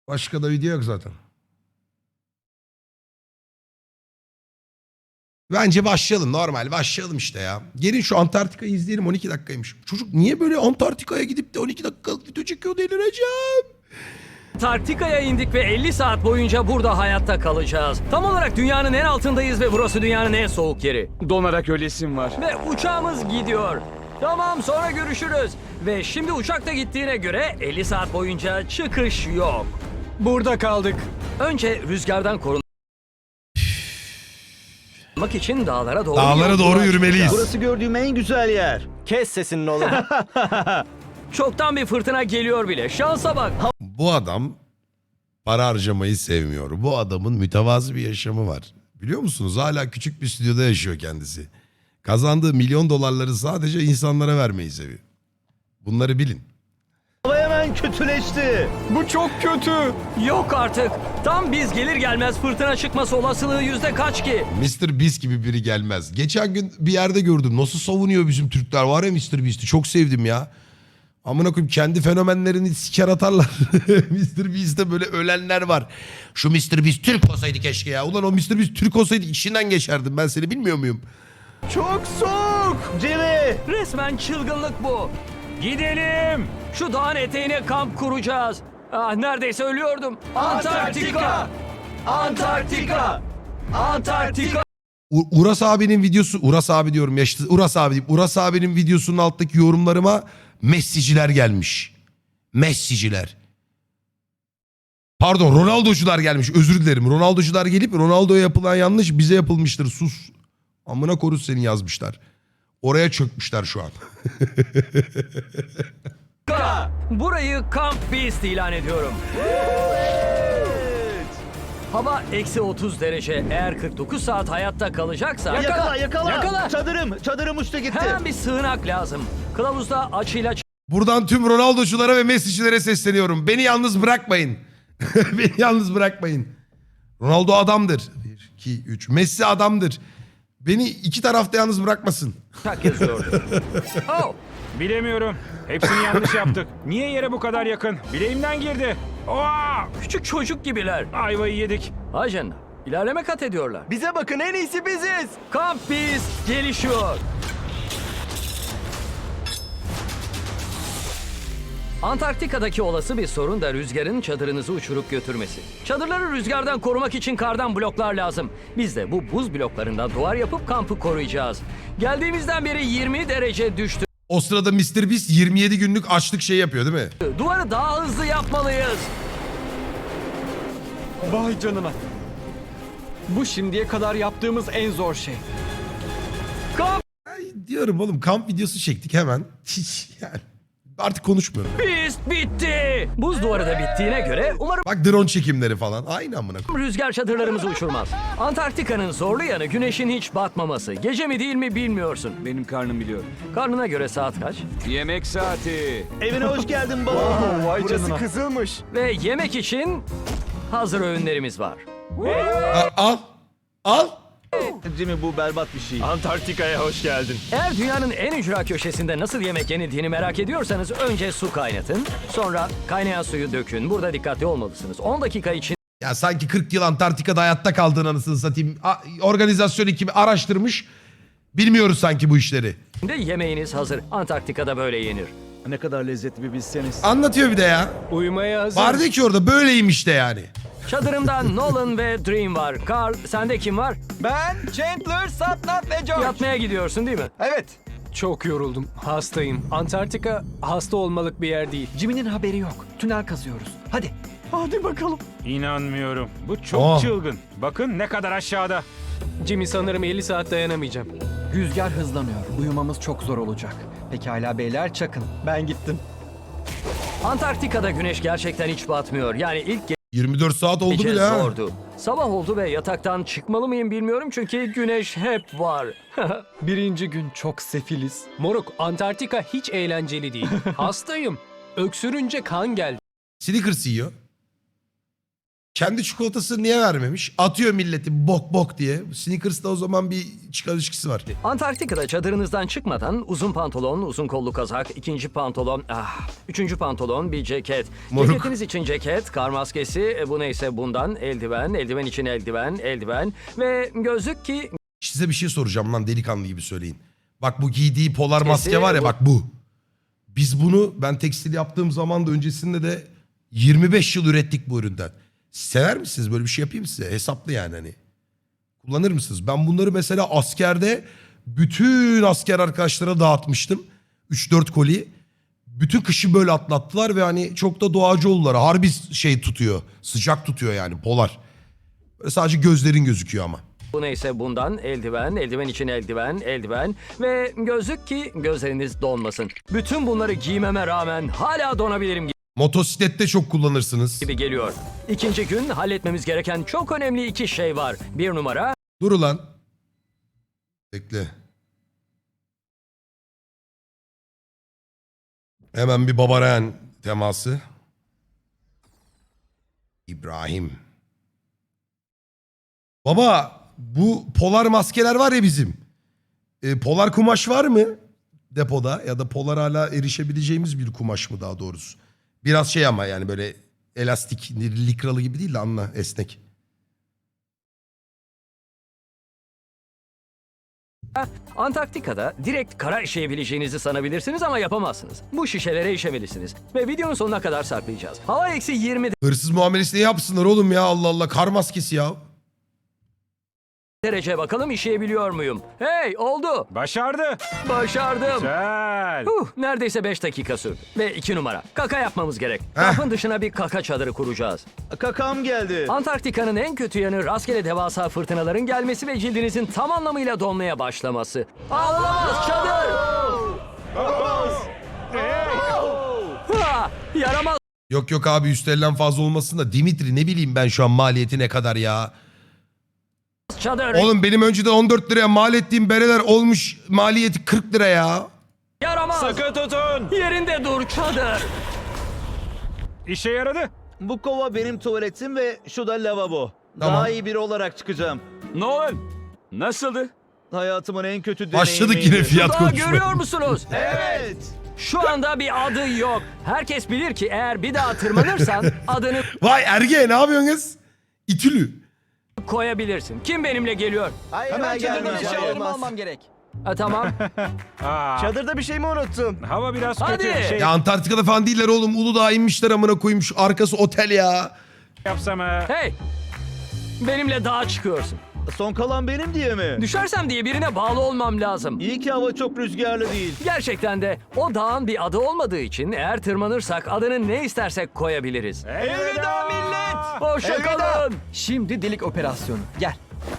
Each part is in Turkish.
Başka da video yok zaten. Bence başlayalım, normal başlayalım işte ya. Gelin şu Antarktika'yı izleyelim, 12 dakikaymış. Çocuk niye böyle Antarktika'ya gidip de 12 dakikalık video çekiyor, delireceğim. Antarktika'ya indik ve 50 saat boyunca burada hayatta kalacağız. Tam olarak dünyanın en altındayız ve burası dünyanın en soğuk yeri. Donarak ölesim var. Ve uçağımız gidiyor. Tamam, sonra görüşürüz. Ve şimdi uçak da gittiğine göre 50 saat boyunca çıkış yok. Burada kaldık. Önce rüzgardan korunmak için dağlara doğru Dağlara doğru yolculuğa yürümeliyiz. çıkacağız. Burası gördüğüm en güzel yer. Kes sesini oğlum. Çoktan bir fırtına geliyor bile. Şansa bak. Bu adam para harcamayı sevmiyor. Bu adamın mütevazı bir yaşamı var. Biliyor musunuz? Hala küçük bir stüdyoda yaşıyor kendisi. Kazandığı milyon dolarları sadece insanlara vermeyi seviyor. Bunları bilin. Hava hemen kötüleşti. Bu çok kötü. Yok artık. Tam biz gelir gelmez fırtına çıkması olasılığı yüzde kaç ki? Mr. Beast gibi biri gelmez. Geçen gün bir yerde gördüm. Nasıl savunuyor bizim Türkler, var ya Mr. Beast'i. Çok sevdim ya. Amına koyayım, kendi fenomenlerini siker atarlar. Mr. Beast'te böyle ölenler var. Şu Mr. Beast Türk olsaydı keşke ya. Ulan o Mr. Beast Türk olsaydı içinden geçerdim. Ben seni bilmiyor muyum? Çok soğuk. Jimmy. Resmen çılgınlık bu. Gidelim. Şu dağın eteğine kamp kuracağız. Ah, neredeyse ölüyordum. Antarktika! Antarktika! Antarktika! Uras abinin videosu, Uras abi diyorum ya işte, Uras abi diyeyim. Uras abinin videosunun alttaki yorumlarıma Messi'ciler gelmiş. Messi'ciler. Pardon, Ronaldo'cular gelmiş. Özür dilerim. Ronaldo'cular gelip Ronaldo'ya yapılan yanlış bize yapılmıştır. Sus. Amına korus seni yazmışlar. Oraya çökmüşler şu an. Burayı Camp Beast ilan ediyorum. Hava eksi 30 derece. Eğer 49 saat hayatta kalacaksa... Yakala. Çadırım uçtu gitti. Hemen bir sığınak lazım. Kılavuzda açıyla Buradan tüm Ronaldo'culara ve Messi'cilere sesleniyorum. Beni yalnız bırakmayın. Beni yalnız bırakmayın. Ronaldo adamdır. 1, 2, 3. Messi adamdır. Beni iki tarafta yalnız bırakmasın. çak yazıyordu. Oh! Bilemiyorum. Hepsini yanlış yaptık. Niye yere bu kadar yakın? Bileğimden girdi. Oha! Küçük çocuk gibiler. Ayvayı yedik. Ajan, ilerleme kat ediyorlar. Bize bakın, en iyisi biziz. Camp Beast gelişiyor. Antarktika'daki olası bir sorun da rüzgarın çadırınızı uçurup götürmesi. Çadırları rüzgardan korumak için kardan bloklar lazım. Biz de bu buz bloklarından duvar yapıp kampı koruyacağız. Geldiğimizden beri 20 derece düştü. O sırada Mr. Beast 27 günlük açlık şey yapıyor değil mi? Duvarı daha hızlı yapmalıyız. Vay canına. Bu şimdiye kadar yaptığımız en zor şey. Camp Ay, diyorum oğlum, kamp videosu çektik hemen. Hiç yani. Artık konuşmuyorum. Beast bitti. Buz duvarı da bittiğine göre umarım Bak drone çekimleri falan. Aynı amına koyayım. rüzgar çadırlarımızı uçurmaz. Antarktika'nın zorlu yanı güneşin hiç batmaması. Gece mi değil mi bilmiyorsun. Benim karnım biliyor. Karnına göre saat kaç? Yemek saati. Evine hoş geldin baba. Vay Burası canına. kızılmış. Ve yemek için hazır öğünlerimiz var. Al. Al. Jimmy, bu berbat bir şey. Antarktika'ya hoş geldin. Eğer dünyanın en ücra köşesinde nasıl yemek yenildiğini merak ediyorsanız önce su kaynatın. Sonra kaynayan suyu dökün. Burada dikkatli olmalısınız. 10 dakika içinde Ya sanki 40 yıl Antarktika'da hayatta kaldığın anasını satayım. Organizasyon ekibi araştırmış. Bilmiyoruz sanki bu işleri. yemeğiniz hazır. Antarktika'da böyle yenir. Ne kadar lezzetli bir bilseniz. Anlatıyor bir de ya. Uyumaya hazır. Vardı ki orada böyleymiş de yani. Çadırımda Nolan ve Dream var. Carl, sende kim var? Ben, Chandler, Satnap ve George. Yatmaya gidiyorsun değil mi? Evet. Çok yoruldum. Hastayım. Antarktika hasta olmalık bir yer değil. Jimmy'nin haberi yok. Tünel kazıyoruz. Hadi. Hadi bakalım. İnanmıyorum. Bu çok Oh. çılgın. Bakın ne kadar aşağıda. Jimmy, sanırım 50 saat dayanamayacağım. Rüzgar hızlanıyor. Uyumamız çok zor olacak. Pekala beyler, çakın. Ben gittim. Antarktika'da güneş gerçekten hiç batmıyor. Yani ilk 24 saat oldu gece bile ha. zordu. Sabah oldu ve yataktan çıkmalı mıyım bilmiyorum çünkü güneş hep var. Birinci gün çok sefiliz. Moruk, Antarktika hiç eğlenceli değil. Hastayım. Öksürünce kan geldi. Snickers yiyor. Kendi çikolatasını niye vermemiş? Atıyor milleti bok bok diye. Snickers'ta o zaman bir çıkar ilişkisi var. Antarktika'da çadırınızdan çıkmadan uzun pantolon, uzun kollu kazak, ikinci pantolon, üçüncü pantolon, bir ceket. Moruk. Ceketiniz için ceket, kar maskesi, bu neyse bundan, eldiven, eldiven için eldiven ve gözlük ki Size bir şey soracağım lan delikanlı gibi söyleyin. Bak bu giydiği polar Kesin maske var ya bu. bak bu. Biz bunu ben tekstil yaptığım zaman da öncesinde de 25 yıl ürettik bu üründen. Sever misiniz böyle bir şey yapayım size? Hesaplı yani hani. Kullanır mısınız? Ben bunları mesela askerde bütün asker arkadaşlara dağıtmıştım. 3-4 koli. Bütün kışı böyle atlattılar ve hani çok da doğacı oldular. Harbi şey tutuyor. Sıcak tutuyor yani polar. Böyle sadece gözlerin gözüküyor ama. bu neyse bundan, eldiven, eldiven için eldiven ve gözlük ki gözleriniz donmasın. Bütün bunları giymeme rağmen hala donabilirim Motosiklette çok kullanırsınız. gibi geliyor. İkinci gün halletmemiz gereken çok önemli iki şey var. Bir numara, Dur ulan. Bekle. Hemen bir Babarayan teması. İbrahim. Baba bu polar maskeler var ya bizim. Polar kumaş var mı depoda? Ya da polar hala erişebileceğimiz bir kumaş mı daha doğrusu? Biraz şey ama yani böyle elastik, likralı gibi değil de anla esnek. Antarktika'da direkt kara işeyebileceğinizi sanabilirsiniz ama yapamazsınız. Bu şişelere işemelisiniz ve videonun sonuna kadar saklayacağız. Hava eksi 20 Hırsız muamelesi ne yapsınlar oğlum ya Allah Allah kar maskesi ya. derece bakalım işeyebiliyor muyum? Hey oldu. Başardı. Başardım. Güzel. Neredeyse 5 dakika sürdü. Ve 2 numara. Kaka yapmamız gerek. Kampın dışına bir kaka çadırı kuracağız. Kakam geldi. Antarktika'nın en kötü yanı rastgele devasa fırtınaların gelmesi ve cildinizin tam anlamıyla donmaya başlaması. Ağlamaz çadır! Yaramaz Yok yok abi üstlerinden fazla olmasın da Dimitri ne bileyim ben şu an maliyeti ne kadar ya. çadır! Oğlum benim önceden 14 liraya mal ettiğim bereler olmuş maliyeti 40 lira ya. Yaramaz! Sakın tutun. Yerinde dur çadır! İşe yaradı. Bu kova benim tuvaletim ve şu da lavabo. Tamam. Daha iyi biri olarak çıkacağım. Nolan. Nasıldı? Hayatımın en kötü deneyimiydi. Başladık yine fiyat Daha konuşmaya. görüyor musunuz? Evet. Şu anda bir adı yok. Herkes bilir ki eğer bir daha tırmanırsan adını Vay Erge ne yapıyorsun kız? İtülü. koyabilirsin. Kim benimle geliyor? Hayır Hemen ben çadırdan gelmeyeceğim. eşyalarımı Olmaz. almam gerek. Tamam. Çadırda bir şey mi unuttum? Hava biraz Hadi. kötü. Şey Ya Antarktika'da falan değiller oğlum. Uludağ'a inmişler amına koyayım şu arkası otel ya. yapsam Hey! Benimle dağa çıkıyorsun. Son kalan benim diye mi? Düşersem diye birine bağlı olmam lazım. İyi ki hava çok rüzgarlı değil. Gerçekten de o dağın bir adı olmadığı için eğer tırmanırsak adını ne istersek koyabiliriz. Elveda millet. Hoşça kalın. Şimdi delik operasyonu. Gel.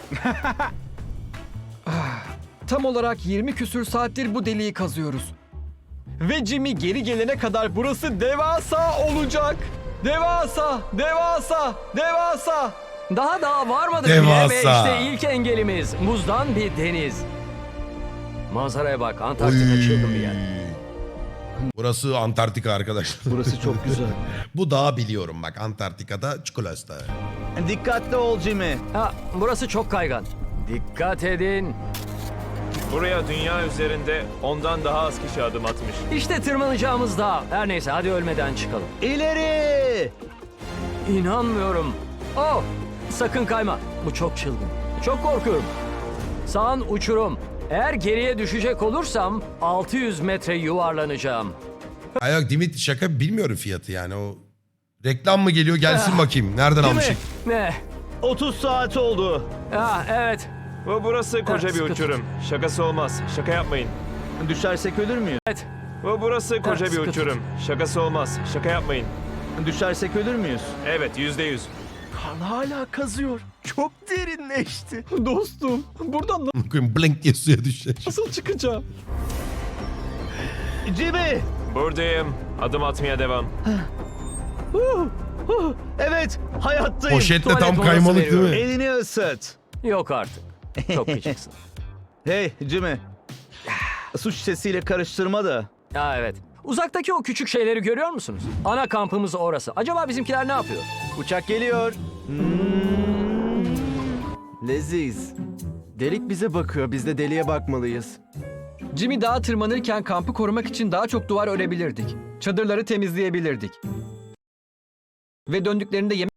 Tam olarak 20 küsür saattir bu deliği kazıyoruz. Ve Jimmy geri gelene kadar burası devasa olacak. Devasa, devasa, devasa. Daha varmadık Devasa. bile ve işte ilk engelimiz buzdan bir deniz. Manzaraya bak, Antarktika çılgın bir yer. Burası Antarktika arkadaşlar. Burası çok güzel. Bu dağı biliyorum bak Antarktika'da çikolata. Dikkatli ol Jimmy. Burası çok kaygan. Dikkat edin. Buraya dünya üzerinde ondan daha az kişi adım atmış. İşte tırmanacağımız dağ. Her neyse hadi ölmeden çıkalım. İleri! İnanmıyorum. Oh! Sakın kayma. Bu çok çılgın. Çok korkuyorum. Sağın uçurum. Eğer geriye düşecek olursam 600 metre yuvarlanacağım. Ay yok Dimitri şaka bilmiyorum fiyatı yani o. Reklam mı geliyor gelsin bakayım. Nereden Değil almışık? mi? Ne? 30 saat oldu. Evet. Ve burası koca bir sıkı uçurum. Şakası olmaz. Şaka yapmayın. Düşersek ölür müyüz? Evet. Ve burası koca bir sıkı tut. uçurum. Şakası olmaz. Şaka yapmayın. Düşersek ölür müyüz? Evet, %100. Kan hala kazıyor. Çok derinleşti. Dostum, buradan Koyayım blink diye suya düşecek. nasıl çıkacağım? Jimmy! Buradayım. Adım atmaya devam. Evet, hayattayım. Poşetle Tuvalet tam molası kaymalık değil mi? Elini ısıt. Yok artık. Çok küçüksün. Hey Jimmy. Su şişesiyle karıştırma da. Evet. Uzaktaki o küçük şeyleri görüyor musunuz? Ana kampımız orası. Acaba bizimkiler ne yapıyor? Uçak geliyor. Leziz. Delik bize bakıyor. Biz de deliğe bakmalıyız. Jimmy dağa tırmanırken kampı korumak için daha çok duvar örebilirdik. Çadırları temizleyebilirdik. Ve döndüklerinde yemek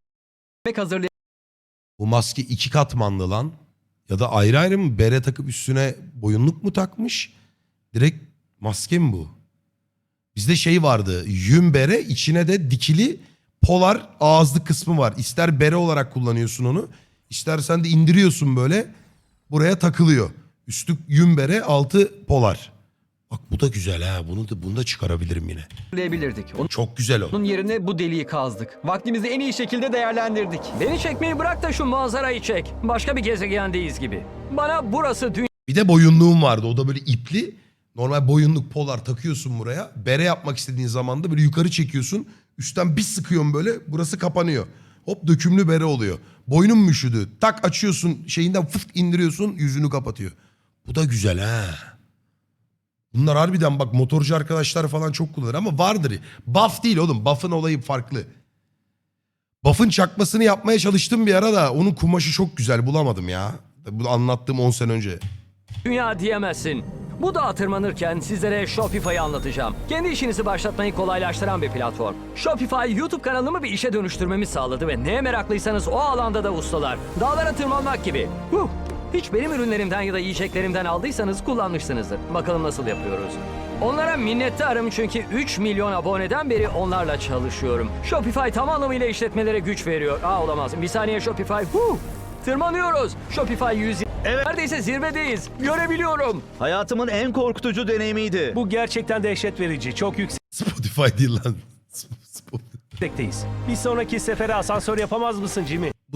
Bu maske 2 katmanlı lan. Ya da ayrı ayrı mı bere takıp üstüne boyunluk mu takmış? Direkt maske mi bu? Bizde şey vardı. Yün bere, içine de dikili polar ağızlı kısmı var. İster bere olarak kullanıyorsun onu. İstersen de indiriyorsun böyle. Buraya takılıyor. Üstü yün bere, altı polar. Bak bu da güzel ha. Bunu da çıkarabilirim yine. hazırlayabilirdik. Çok güzel o. Onun yerine bu deliği kazdık. Vaktimizi en iyi şekilde değerlendirdik. Beni çekmeyi bırak da şu manzarayı çek. Başka bir gezegendeyiz gibi. Bana burası Bir de boyunluğum vardı. O da böyle ipli. Normal boyunluk polar takıyorsun buraya. Bere yapmak istediğin zaman da böyle yukarı çekiyorsun. Üstten bir sıkıyorsun böyle. Burası kapanıyor. Hop dökümlü bere oluyor. Boynum mu üşüdü? Tak açıyorsun şeyinden fıt indiriyorsun yüzünü kapatıyor. Bu da güzel ha. Bunlar harbiden bak motorcu arkadaşlar falan çok kullanır ama vardır. Buff değil oğlum. Buff'ın olayı farklı. Buff'ın çakmasını yapmaya çalıştım bir ara da onun kumaşı çok güzel bulamadım ya. Bu anlattığım 10 sene önce. dünya diyemezsin. Bu dağa tırmanırken sizlere Shopify'ı anlatacağım. Kendi işinizi başlatmayı kolaylaştıran bir platform. Shopify, YouTube kanalımı bir işe dönüştürmemi sağladı ve neye meraklıysanız o alanda da ustalar. Dağlara tırmanmak gibi. Hiç benim ürünlerimden ya da yiyeceklerimden aldıysanız kullanmışsınızdır. Bakalım nasıl yapıyoruz. Onlara minnettarım çünkü 3 milyon aboneden beri onlarla çalışıyorum. Shopify tam anlamıyla işletmelere güç veriyor. Olamaz. Bir saniye Shopify. Tırmanıyoruz. Shopify 100. Evet. Neredeyse zirvedeyiz. Görebiliyorum. Hayatımın en korkutucu deneyimiydi. Bu gerçekten dehşet verici. Çok Spotify değil lan. yüksekteyiz. Bir sonraki sefere asansör yapamaz mısın Jimmy? Bu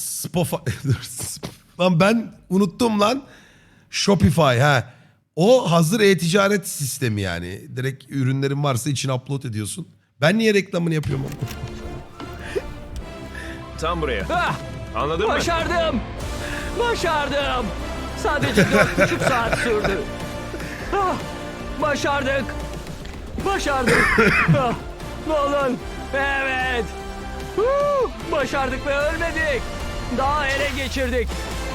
lan ben unuttum lan. Shopify ha. O hazır e-ticaret sistemi yani. Direkt ürünlerin varsa içine upload ediyorsun. Ben niye reklamını yapıyorum? Tam buraya. Ah, Anladın mı? başardım. Başardım. Sadece 4,5 saat sürdü. Başardık. Başardık. Nolan. Evet. Başardık ve ölmedik. Daha ele geçirdik.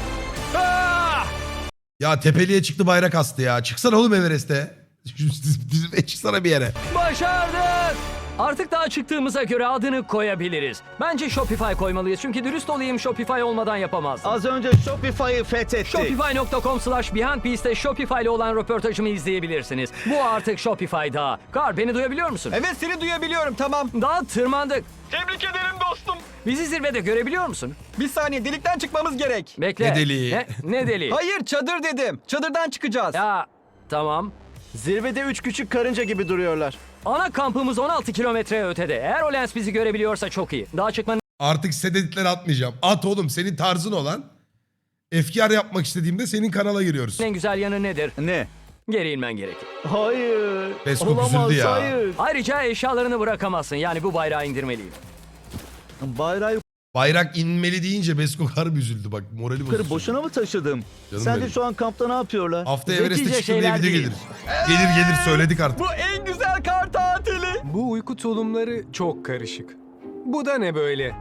Ya tepeliğe çıktı bayrak astı ya. Çıksana oğlum Everest'e. Çıksana bir yere. Başardık. Artık daha çıktığımıza göre adını koyabiliriz. Bence Shopify koymalıyız çünkü dürüst olayım Shopify olmadan yapamazdım. Az önce Shopify'ı fethettik. Shopify.com/BeyondBeast'te Shopify ile olan röportajımı izleyebilirsiniz. Bu artık Shopify Dağı. Kar beni duyabiliyor musun? Evet seni duyabiliyorum tamam. Dağa tırmandık. Tebrik ederim dostum. Bizi zirvede görebiliyor musun? Bir saniye delikten çıkmamız gerek. Bekle. Ne deliği? Ne deliği? Hayır çadır dedim. Çadırdan çıkacağız. Ya tamam. Zirvede 3 küçük karınca gibi duruyorlar. Ana kampımız 16 kilometre ötede. Eğer o lens bizi görebiliyorsa çok iyi. Dağa çıkmanın Artık sededitleri atmayacağım. At oğlum senin tarzın olan. Efkar yapmak istediğimde senin kanala giriyoruz. en güzel yanı nedir? Ne? Geri inmen gerekir. Hayır. Beskok Olamaz, üzüldü ya. hayır. Ayrıca eşyalarını bırakamazsın. Yani bu bayrağı indirmeliyim. Bayrağı Bayrak inmeli deyince Beskok harbi üzüldü bak. Morali yukarı bozuldu. boşuna mı taşıdım? Canım Sen de benim. şu an kampta ne yapıyorlar? Hafta Zekice Everest'e çıktım diye şeyler video değil. gelir. Gelir söyledik artık. Bu en güzel kar tatili. Bu uyku tulumları çok karışık. Bu da ne böyle?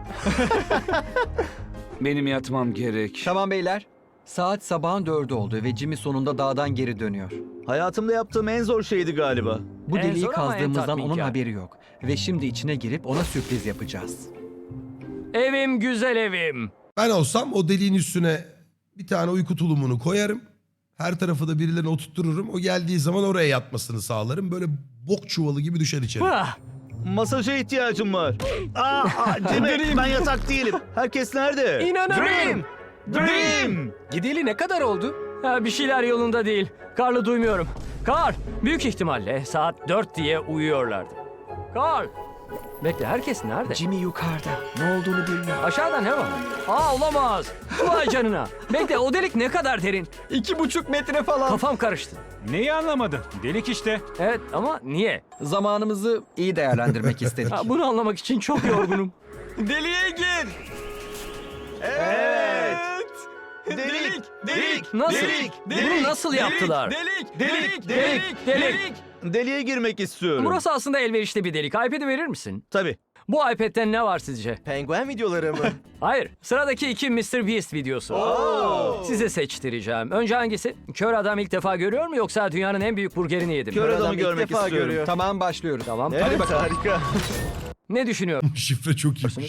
Benim yatmam gerek. Tamam beyler. Saat sabahın 4'ü oldu ve Jimmy sonunda dağdan geri dönüyor. Hayatımda yaptığım en zor şeydi galiba. Bu En deliği zor ama en kazdığımızdan onun tatminkar. haberi yok. Ve şimdi içine girip ona sürpriz yapacağız. Evim güzel evim. Ben olsam o deliğin üstüne bir tane uyku tulumunu koyarım. Her tarafı da birilerine oturttururum. O geldiği zaman oraya yatmasını sağlarım. Böyle bok çuvalı gibi düşer içeri. Masaja ihtiyacım var. Jimmy ben yatak değilim. Herkes nerede? İnanamıyorum. Dream! Gideli ne kadar oldu? Bir şeyler yolunda değil. Karlı duymuyorum. Kar, büyük ihtimalle saat 4 diye uyuyorlardı. Kar. Bekle herkes nerede? Jimmy yukarıda. Ne olduğunu bilmiyor. Aşağıda ne var? Olamaz. Vay canına. Bekle o delik ne kadar derin? 2,5 metre falan. Kafam karıştı. Neyi anlamadın? Delik işte. Evet ama niye? Zamanımızı iyi değerlendirmek istedik. Bunu anlamak için çok yorgunum. Deliğe gir. Evet. Delik. Nasıl? Bunu nasıl yaptılar? Delik. Delik. Deliğe girmek istiyorum. Burası aslında elverişli bir delik. iPad'i verir misin? Tabii. Bu iPad'te ne var sizce? Penguen videoları mı? Hayır. Sıradaki 2 Mr. Beast videosu. Size seçtireceğim. Önce hangisi? Kör adam ilk defa görüyor mu yoksa dünyanın en büyük burgerini yedim? Kör adamı Adam ilk görmek defa istiyorum. görüyor. Tamam başlıyoruz. Tamam. Evet, harika. Ne düşünüyorsun? Şifre çok iyiymiş.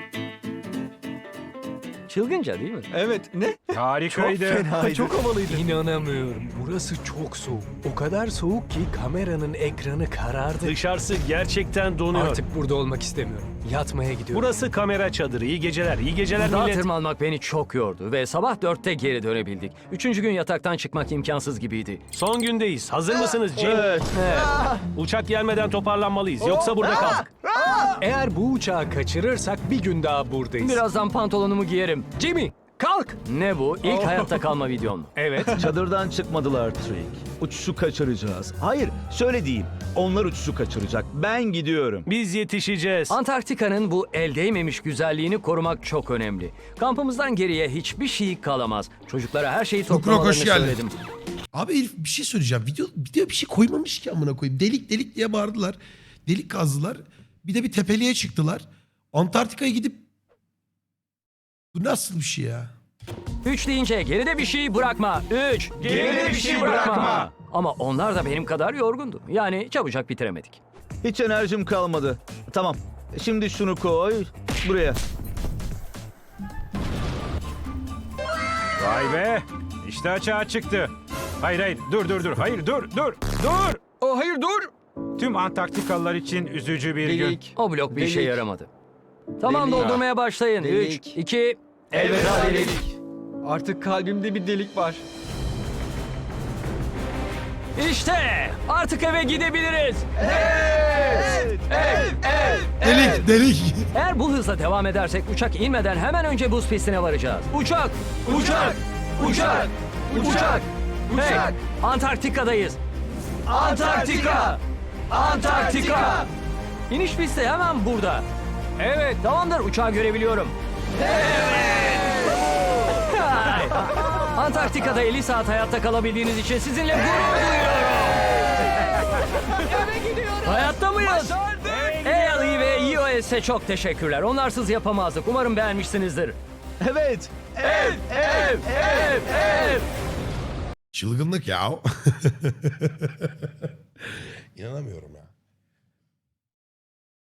Çılgınca değil mi? Evet ne? Harikaydı. Çok havalıydı. İnanamıyorum. Burası çok soğuk. O kadar soğuk ki kameranın ekranı karardı. Dışarısı gerçekten donuyor. Artık burada olmak istemiyorum. Yatmaya gidiyorum. Burası kamera çadırı. İyi geceler. İyi geceler Dağa millet. tırmanmak beni çok yordu ve sabah 4'te geri dönebildik. 3. gün yataktan çıkmak imkansız gibiydi. Son gündeyiz. Hazır mısınız Jim? Evet. Uçak gelmeden toparlanmalıyız. Yoksa burada kaldık. Eğer bu uçağı kaçırırsak bir gün daha buradayız. Birazdan pantolonumu giyerim. Jimmy kalk. Ne bu? İlk hayatta kalma videon mu? Evet. Çadırdan çıkmadılar Trick. Uçuşu kaçıracağız. Hayır, şöyle diyeyim. Onlar uçuşu kaçıracak. Ben gidiyorum. Biz yetişeceğiz. Antarktika'nın bu el değmemiş güzelliğini korumak çok önemli. Kampımızdan geriye hiçbir şey kalamaz. Çocuklara her şeyi Lukrok, toplamalarını hoş geldin. söyledim. Abi herif bir şey söyleyeceğim. Video bir şey koymamış ki amına koyayım. Delik delik diye bağırdılar. Delik kazdılar. Bir de bir tepeliğe çıktılar. Antarktika'ya gidip... Bu nasıl bir şey ya? 3 deyince geride bir şey bırakma. 3. Geride bir şey bırakma. Ama onlar da benim kadar yorgundu. Yani çabucak bitiremedik. Hiç enerjim kalmadı. Tamam. Şimdi şunu koy. Buraya. Vay be. İşte açığa çıktı. Hayır. Dur. Hayır dur. Oh hayır dur. Tüm Antarktikalılar için üzücü bir gün. Delik. O blok bir işe Delik. yaramadı. Tamam Delik. doldurmaya başlayın. 3, Delik. 2, elveda delik. Artık kalbimde bir delik var. İşte artık eve gidebiliriz. Delik. Eğer bu hızla devam edersek uçak inmeden hemen önce buz pistine varacağız. Uçak! Hey, Antarktika'dayız. Antarktika! İniş pisti hemen burada. Evet, tamamdır. Uçağı görebiliyorum. Evet! Antarktika'da 50 saat hayatta kalabildiğiniz için sizinle gurur duyuyorum. Hayatta mıyız? Hey Ali ve iOS'e çok teşekkürler. Onlarsız yapamazdık. Umarım beğenmişsinizdir. Evet. Çılgınlık ya. İnanamıyorum ya.